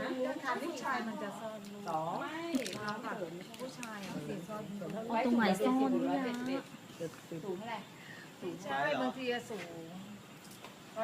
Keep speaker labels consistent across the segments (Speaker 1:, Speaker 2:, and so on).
Speaker 1: ผู้ชายมันจะซ่อนลูก
Speaker 2: สอง
Speaker 3: ไม่น้องเสริม
Speaker 1: ผู้ชายสีซ่อนลูก
Speaker 4: ตรงไหนซ่อนเนี่ย
Speaker 3: สูงเท่าไหร่
Speaker 1: ใช่บางทีสูง165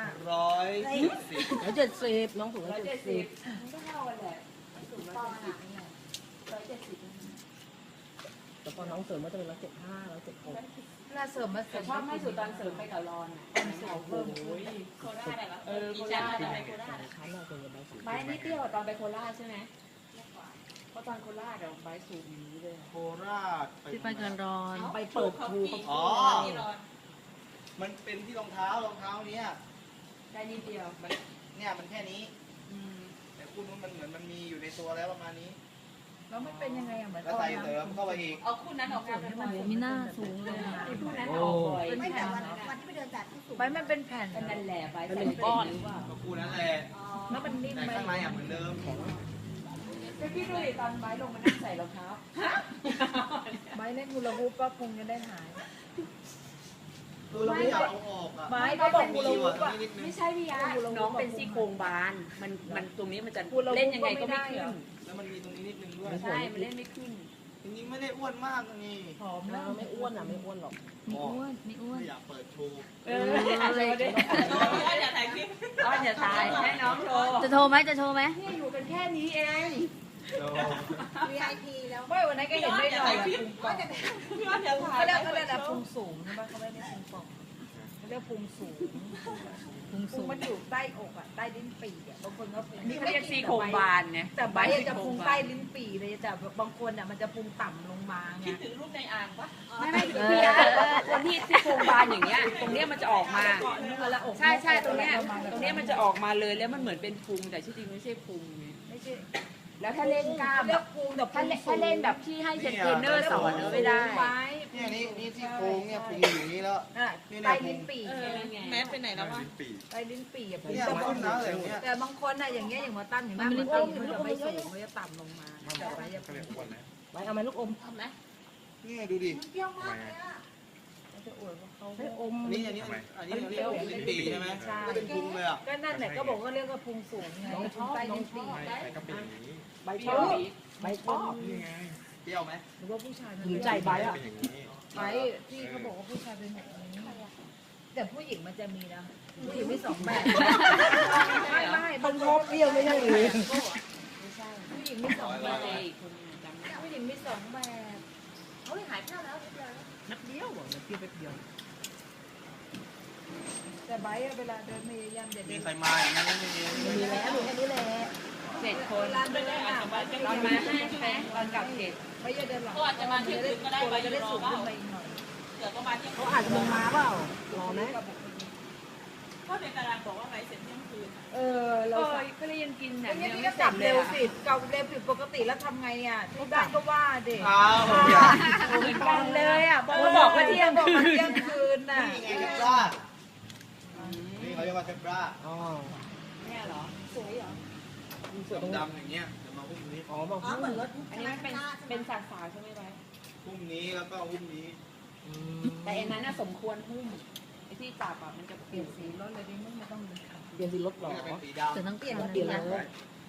Speaker 2: 170น้องสูง170
Speaker 3: มันก็เท่ากันแหละสูง170เนี่ย170
Speaker 2: แต่พอน้องเสริมก็จะเป็น175 176
Speaker 1: เวลาเสริมมาเสริ
Speaker 3: แต่
Speaker 1: ม
Speaker 3: ชอบไม่สุดตอนเสริมไปกับรอนอ่ะโอ้โหโคราชอะไรวะโคราชอะไรโคราช
Speaker 2: ชั้นเราเป็นยังไงสูง
Speaker 3: ไบร์ทนี่เตี้ยกว่าตอนไปโคราชใช่ไหมเพราะตอนโคราชเราไบร์ทสูงอย่างนี้เลย
Speaker 5: โคราช
Speaker 4: ที่ไปกันร้อน
Speaker 2: ไปเปิดครูเขา
Speaker 5: อ๋อ มันเป็นที่รองเท้เนี้ย
Speaker 3: ได้นิดเดียว
Speaker 5: เนี่ยมันแค่นี้ แต่คู่นู้นมันเหมือนมันมีอยู่ในตัวแล้วประมาณนี้
Speaker 1: แล้วมันเป็นยังไงอ่ะเหมือน
Speaker 5: แล้วใส่เสริมเข้าไปอีก
Speaker 3: เอาคู่นั้นออกกัน
Speaker 4: โอ้โหมีหน้าสูงเลยอะ
Speaker 3: คู่นั้นออกบ่อย
Speaker 1: เป็น
Speaker 6: ไม่
Speaker 1: แผ่
Speaker 6: แต่
Speaker 1: น
Speaker 6: วันที่ไปเดินจัดที่สูง
Speaker 1: ใบมันเป็นแผ่น
Speaker 3: เป็นนั่นแหละไบร์ท
Speaker 2: เป็น
Speaker 3: ใส่
Speaker 2: หนึ่งก้อน
Speaker 5: ก็คู่นั้นแหละ
Speaker 1: แล้วมันนิ่ม
Speaker 5: แต่
Speaker 1: ไหม
Speaker 5: ข้างในอ่ะเหมือนเดิม
Speaker 3: ไปพี่ดูดิตอนไบร์ทลงมานั่งใส่รองเท้า
Speaker 1: ใบเล่นฮูลาฮูปก็คงจะได้หาย
Speaker 5: คือเราไม่อยากเอาออกอ่ะ
Speaker 1: ไม้ก็บอกฮู
Speaker 5: มี
Speaker 1: ลาฮู
Speaker 5: ว่ะ
Speaker 1: ป
Speaker 5: ตรง
Speaker 1: อ่ะ
Speaker 5: นี้นิดนึง
Speaker 3: ไม่ใช่พี่ยะน้องเป็นซี่โครงบานมันตรงนี้มันจะ
Speaker 1: ฮูลาฮูป
Speaker 3: เล่นยังไงก็ไม่
Speaker 1: ก็ไม่ได้
Speaker 3: ขึ้
Speaker 1: เหรอ
Speaker 3: น
Speaker 5: แล้วมันมีตรงนี้นิดนึงด้วย
Speaker 3: ใช่ มันเล่นไม่ขึ้น
Speaker 5: จริงๆไม่ได้อ้วนมากนี่
Speaker 1: หอมแล้ว
Speaker 2: ไม่อ้วนอ่ะไม่อ้วนหรอก
Speaker 4: ไม่อ้วนไม่อ้วน
Speaker 5: ไม่อยากเปิดโชว์
Speaker 3: อะไรดิอ้อนอย่าถ่ายคลิปอ้อนอย่าถ่ายให้น้องโชว์
Speaker 4: จะโทรไหมจะโทรไหม
Speaker 3: นี่อยู่กันแค่นี้เอง
Speaker 6: VIP แล้ว
Speaker 1: ไม่วันนั้นก็เห็นไม่หน่อยอะพุงป่อง
Speaker 3: พี่อ้อนอย่าถ่าย
Speaker 1: เขาเรียกอะไรพุงสูงใช่ไหมเขาไม่ได้พุงป่องเขาเรียกพุงสูง
Speaker 4: พุง
Speaker 1: พุ
Speaker 4: สู
Speaker 1: ง
Speaker 4: ง
Speaker 1: มันอยู่ใต้อกอ่ะใต้ลิ้นปี่อ่ะบางคนก็พุง
Speaker 3: นี่เขาเรียกซี่โครงบานเนี่ย
Speaker 1: แต่ใบจะพุงใต้ลิ้นปี่เลยแต่บางคนอ่ะมันจะพุงต่ำลงมาไง
Speaker 3: คิดถึงรูปในอ่างปะไม่พี่ยะคนที่ซี่โครงบานอย่างเงี้ย ตรงเนี้ยมันจะออกมา ใช่ใช่ตรงเนี้ยมันจะออกมาเลยแล้วมันเหมือนเป็นพุงแต่ที่จริงไม่ใช่พุงไง
Speaker 1: ไม่ใช่
Speaker 3: แล้วถ้าเล่นกล้าม
Speaker 1: เรียกพุงแต่
Speaker 3: ถ้าเล่นแบบที่ให้เทรนเนอร์สอนไม่ได้
Speaker 1: ไม้
Speaker 5: เนี่ยนี่ที่โครงเนี่ยพุงอยู่อย่างนี้แล้ว
Speaker 1: อ่ะใต้ลิ้นปี่
Speaker 3: แม้ไปไหนแล้ววะ
Speaker 1: ใต้ลิ้นปี่อ่ะ
Speaker 5: เนี่ยมันขึ้นนะอะไรอย่างเงี้ย
Speaker 1: แต่บางคนอ่ะอย่างเงี้ยอย่างว่าตั้มอย่างนั้นมันจะไม่สูงมันจะต่ำลงมาแต่ใบจะพุง
Speaker 2: ไว้เอาไหมลูกอม
Speaker 3: ทำไหม
Speaker 5: นี่ดูดิ
Speaker 6: เปรี้ยวมากเลยอ่ะ
Speaker 1: มันจะอวดว่าเขา
Speaker 2: ให้อม
Speaker 5: อันนี้เรียกลิ้นปี่ใช่ไหมก็เป็นพุงเลยอ่ะ
Speaker 1: ก็นั่นแหละก็บอกว่าเรียกว่าพุงสูงไงพุงใต้ลิ้นปี่
Speaker 2: ใบชอบใบชอบ
Speaker 5: เปรี้ยวไหม
Speaker 1: หรือว่าผู้ชาย
Speaker 2: หญิงใจใบอ่ะ
Speaker 1: ใบที่เขาบอกว่าผู้ชายเป็นแบบนี้แต่ผู้หญิงมันจะมีนะผู้หญิงมีสองแบบไม่
Speaker 2: มันชอบเปรี้ยวไม่ใช่หรือ
Speaker 1: ผู้หญิงมีสองแบบ
Speaker 3: คนจำไม่ได้
Speaker 1: ผู้หญิงมีสองแบบ
Speaker 6: เฮ้ยหายไปแล้วเรียบร้อยแล้ว
Speaker 2: นัดเดียวอ่ะเปรี้ยวไปเดียว
Speaker 1: แต่ใบเวลาเดินพยายามอย่า
Speaker 5: มี
Speaker 1: เดิน
Speaker 5: ใครมาอย่างนี้ไม่มี
Speaker 2: มีแล้วมีแค่นี้แหละ
Speaker 3: 7 คน
Speaker 1: เวลาเดินอ่ะ
Speaker 3: ตอนมา5ใช่ไหมตอนกลับ7
Speaker 1: ไม่อย่าเดินหลัง
Speaker 6: ก็อาจจะมาที่อื่นก็ได้ไป
Speaker 1: จะได้สูงขึ้นไปอีกหน่อย
Speaker 6: เดี๋ยวก็มาที่
Speaker 2: เขาอาจจะมาเปล่ารอไหม
Speaker 6: ก็ในตารางบอกว่าไปเสร็จเที่ยงคืน
Speaker 1: เรา
Speaker 3: ก็เลยยังกินหนั
Speaker 1: อั
Speaker 3: ง
Speaker 1: นนี้
Speaker 3: ยัง
Speaker 1: พี่
Speaker 3: ไม่
Speaker 1: ก็
Speaker 3: เส
Speaker 1: ก
Speaker 3: ร็
Speaker 1: ลั
Speaker 3: จ
Speaker 1: บ
Speaker 3: เล
Speaker 1: เร็
Speaker 3: ยว
Speaker 1: สิกลับเร็วผิดปกติแล้วทำไงอ่ะที่บ้านก็ว่าเด็ก
Speaker 5: อ้าว
Speaker 1: เหมือนกันเลยอ่ะเขาบอกว่าเที่ยงคืนน่ะ
Speaker 5: นี่ไงเทปรานี่เขาเรียกว่าเทปรา
Speaker 2: อ๋อ
Speaker 3: เนี่ยเหรอ
Speaker 1: สวยเหรอ
Speaker 5: ดำๆอย่างเงี้ยเดี๋ยวมาหุ้มนี้
Speaker 2: อ๋อบาง
Speaker 6: อ๋อ
Speaker 2: ที
Speaker 6: เหมือนรถ
Speaker 3: อันนี้มันเป็นสาวๆใช่ไหมไบ
Speaker 5: หุ้มนี้แล้วก็หุ้มนี้
Speaker 3: แต่อันนั้นน่ะสมควรหุ้มไอ้ที่จับอ่ะมันจะ
Speaker 1: เปลี่ยนสีรถเลยดิไม่ต้องเลยค่ะ
Speaker 2: เปลี่ยนสีรถหรอ
Speaker 5: นี่จะเป็นสีดำ
Speaker 4: จะต้อง
Speaker 6: เปลี่ยน
Speaker 4: ทำ
Speaker 6: รถ
Speaker 2: เปลี่ยนเลย
Speaker 5: เ